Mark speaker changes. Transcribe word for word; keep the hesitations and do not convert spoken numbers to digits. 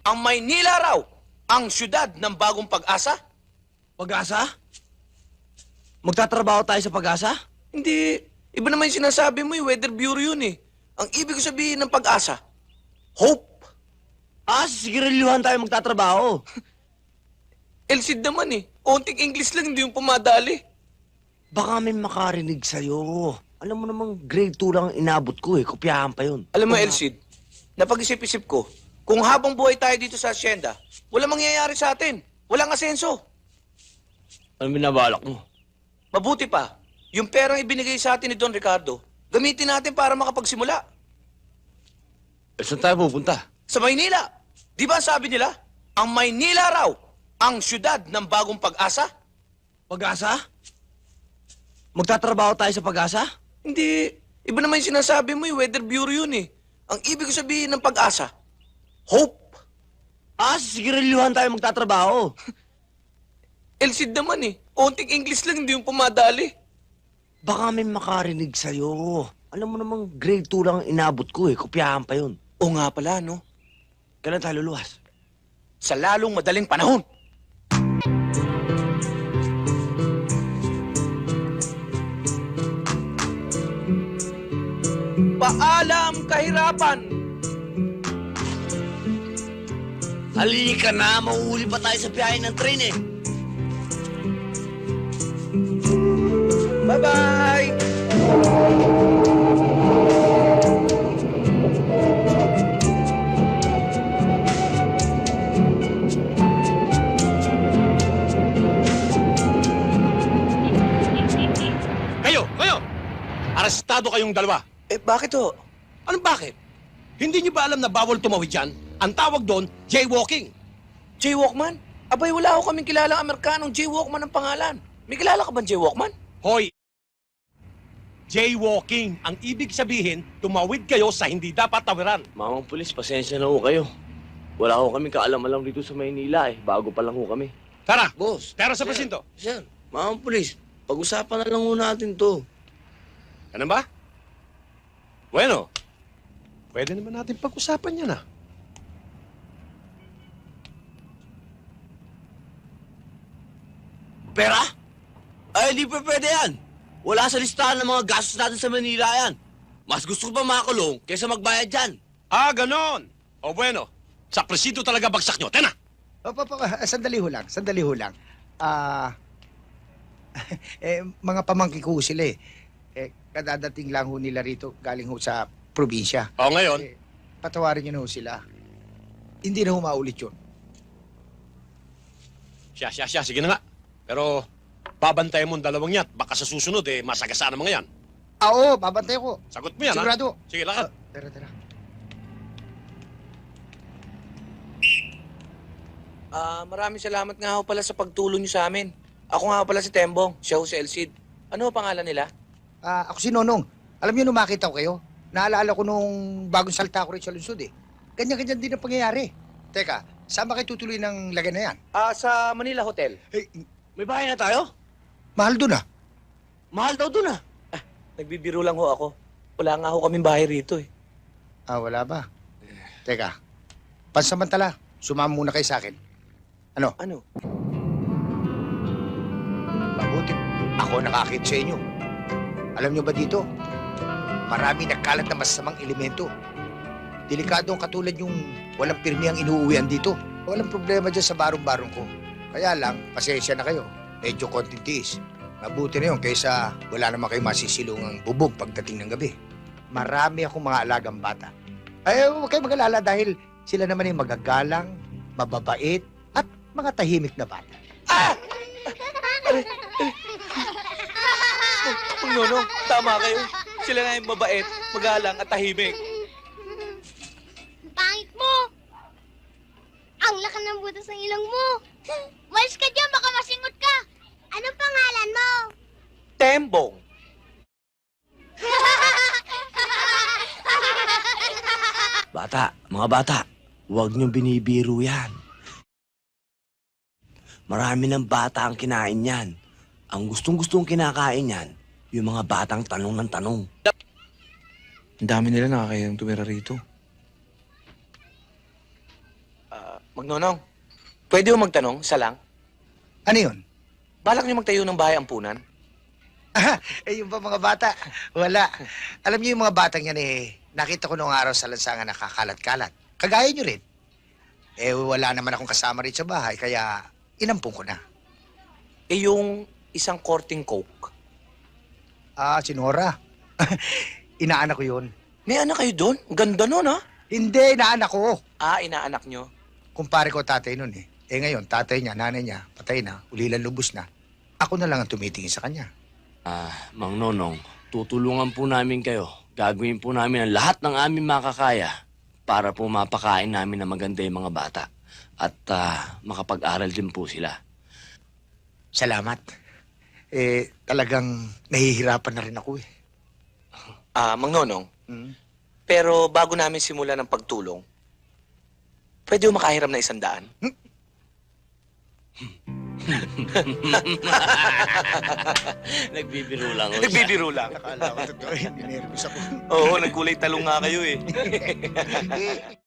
Speaker 1: Ang Maynila raw, ang syudad ng bagong pag-asa?
Speaker 2: Pag-asa? Magtatrabaho tayo sa pag-asa?
Speaker 1: Hindi. Iba naman yung sinasabi mo, yung Weather Bureau yun eh. Ang ibig sabihin ng pag-asa, hope.
Speaker 2: Ah, sa sigarilyuhan tayo magtatrabaho.
Speaker 1: Elsid naman eh. Konting English lang, hindi yung pumadali.
Speaker 2: Baka may makarinig sa'yo. Alam mo namang grade two lang ang inabot ko eh. Kopyahan pa yun.
Speaker 1: Alam mo, Elsid, napag-isip-isip ko, kung habang buhay tayo dito sa asyenda, walang mangyayari sa atin. Walang asenso.
Speaker 2: Ano binabalak mo?
Speaker 1: Mabuti pa, yung perang ibinigay sa atin ni Don Ricardo, gamitin natin para makapagsimula.
Speaker 2: Eh, saan tayo pupunta?
Speaker 1: Sa Maynila. Di ba sabi nila, ang Maynila raw, ang syudad ng bagong pag-asa?
Speaker 2: Pag-asa? Magtatrabaho tayo sa pag-asa?
Speaker 1: Hindi. Iba naman yung sinasabi mo, yung Weather Bureau yun eh. Ang ibig sabihin ng pag-asa, hope.
Speaker 2: Ah, sa sigarilyuhan tayo magtatrabaho.
Speaker 1: Elsid naman eh. Konting English lang, hindi yung pumadali.
Speaker 2: Baka may makarinig sa'yo. Alam mo namang grade two lang ang inabot ko eh. Kopyahan pa yun.
Speaker 1: O nga pala, no?
Speaker 2: Kailan tayo luluwas?
Speaker 1: Sa lalong madaling panahon. Paalam kahirapan.
Speaker 2: Halika na, mauuli pa tayo sa biyahe ng train eh.
Speaker 1: Bye-bye!
Speaker 3: Kayo, kayo! Arestado kayong dalawa.
Speaker 1: Eh, bakit ho?
Speaker 3: Anong bakit? Hindi niyo ba alam na bawal tumawid dyan? Ang tawag doon, jaywalking.
Speaker 1: Jaywalkman? Abay, wala ko kaming kilalang Amerikanong jaywalkman ang pangalan. May kilala ka bang jaywalkman?
Speaker 3: Hoy! Jaywalking. Ang ibig sabihin, tumawid kayo sa hindi dapat tawiran.
Speaker 2: Mamang pulis, pasensya na ho kayo. Wala ho kami kaalam-alam dito sa Maynila eh. Bago pa lang ho kami.
Speaker 3: Tara,
Speaker 4: Boss.
Speaker 3: pero sa
Speaker 4: Sir,
Speaker 3: presinto.
Speaker 4: Sir, mga pulis, pag-usapan na lang ho natin to.
Speaker 3: Ano ba? Bueno, pwede naman natin pag-usapan yan ah.
Speaker 2: Pera? Ay, di pa pwede yan. Wala sa listahan ng mga gastos natin sa Manila yan. Mas gusto ko pa makakulong kaysa magbayad dyan.
Speaker 3: Ah, ganon. O bueno, sa presinto talaga bagsak nyo. Tena!
Speaker 5: Opo, opo, ah, sandali ho lang, sandali ho lang. Ah, eh, mga pamangkin ko ho sila eh. Eh, kadadating lang ho nila rito, galing ho sa probinsya.
Speaker 3: O ngayon,
Speaker 5: Eh, patawarin niyo na ho sila. Hindi na ho maulit yun.
Speaker 3: siya, siya, siya, sige na nga. Pero, babantayan mo ang dalawang yan. Baka sa susunod, eh, masagasaan ang mga yan.
Speaker 5: Ah, oo, babantay ko.
Speaker 3: Sagot mo yan,
Speaker 5: Sigurado.
Speaker 3: ha? Sige, lakad.
Speaker 5: Ah, tara, tara.
Speaker 1: Ah, maraming salamat nga ho pala sa pagtulong niyo sa amin. Ako nga ho pala si Tembong, siya ho si Elsid. Ano ho pangalan nila?
Speaker 5: Ah, ako si Nonong. Alam niyo, nung makita ko kayo, naalala ko nung bagong salta ko rin sa lungsod eh. Ganyan-ganyan din ang pangyayari. Teka, saan ba kayo tutuloy ng lagay na yan?
Speaker 1: Ah, sa Manila Hotel.
Speaker 5: Eh,
Speaker 2: May bahay na tayo?
Speaker 5: mahal doon ah.
Speaker 2: Mahal daw dun ah.
Speaker 1: Ah, nagbibiro lang ho ako. Wala nga ho kaming bahay rito eh.
Speaker 5: Ah, wala ba? Teka, pansamantala, sumama muna kayo sa akin. Ano?
Speaker 1: Ano?
Speaker 5: Mabuti. Ako nakakita sa inyo. Alam nyo ba dito? Marami nagkalat na masasamang elemento. Delikado ang katulad yung walang pirmi ang inuuwian dito. Walang problema dyan sa barong-barong ko. Kaya lang, pasensya na kayo. Medyo konting tiis. Mabuti na yun kaysa wala naman kayo masisilungang bubog pagdating ng gabi. Marami akong mga alagang bata. Ay, huwag kayo mag-alala dahil sila naman ay magagalang, mababait, at mga tahimik na bata.
Speaker 1: Ah! Kung nono, tama kayo. Sila na yung mabait, magalang at tahimik.
Speaker 6: Pangit mo! Ang laki ng butas ng ilong mo! Walis ka dyan, baka masingot ka! Anong pangalan mo?
Speaker 1: Tembong.
Speaker 2: Bata, mga bata, huwag niyong binibiro yan. Marami ng bata ang kinain yan. Ang gustong-gustong kinakain yan, yung mga batang tanong ng tanong.
Speaker 1: Ang dami nila nakakayang tumira rito. Ah, Ah, Magnonong, pwede mo magtanong, isa lang?
Speaker 5: Ano yun?
Speaker 1: Balak niyo magtayo ng bahay ampunan?
Speaker 5: Eh, yung ba mga bata? Wala. Alam niyo yung mga batang yan eh, nakita ko noong araw sa lansangan nakakalat-kalat. Kagaya niyo rin. Eh, wala naman akong kasama rin sa bahay, kaya inampung ko na.
Speaker 1: Eh, yung isang korting coke.
Speaker 5: Ah, si Nora. Inaanak ko yun.
Speaker 1: May anak kayo doon? Ang ganda nun, ha?
Speaker 5: Hindi, inaanak ko.
Speaker 1: Ah, inaanak nyo.
Speaker 5: Kumpare ko tatay nun eh. Eh ngayon, tatay niya, nanay niya, patay na, ulilan lubos na. Ako na lang ang tumitingin sa kanya.
Speaker 2: Ah, Mang Nonong, tutulungan po namin kayo. Gagawin po namin ang lahat ng aming makakaya para po mapakain namin ng maganda yung mga bata. At ah, makapag-aral din po sila.
Speaker 5: Salamat. Eh, talagang nahihirapan na rin ako eh.
Speaker 1: Ah, Magnonong,
Speaker 5: Hmm?
Speaker 1: pero bago namin simulan ng pagtulong, pwede mo makahiram na isang daan?
Speaker 2: Nagbibiro lang. ho siya.
Speaker 1: Nagbibiro lang.
Speaker 5: Akala ko totoo eh, ninervous ako.
Speaker 1: Oo, nagkulay talong nga kayo eh.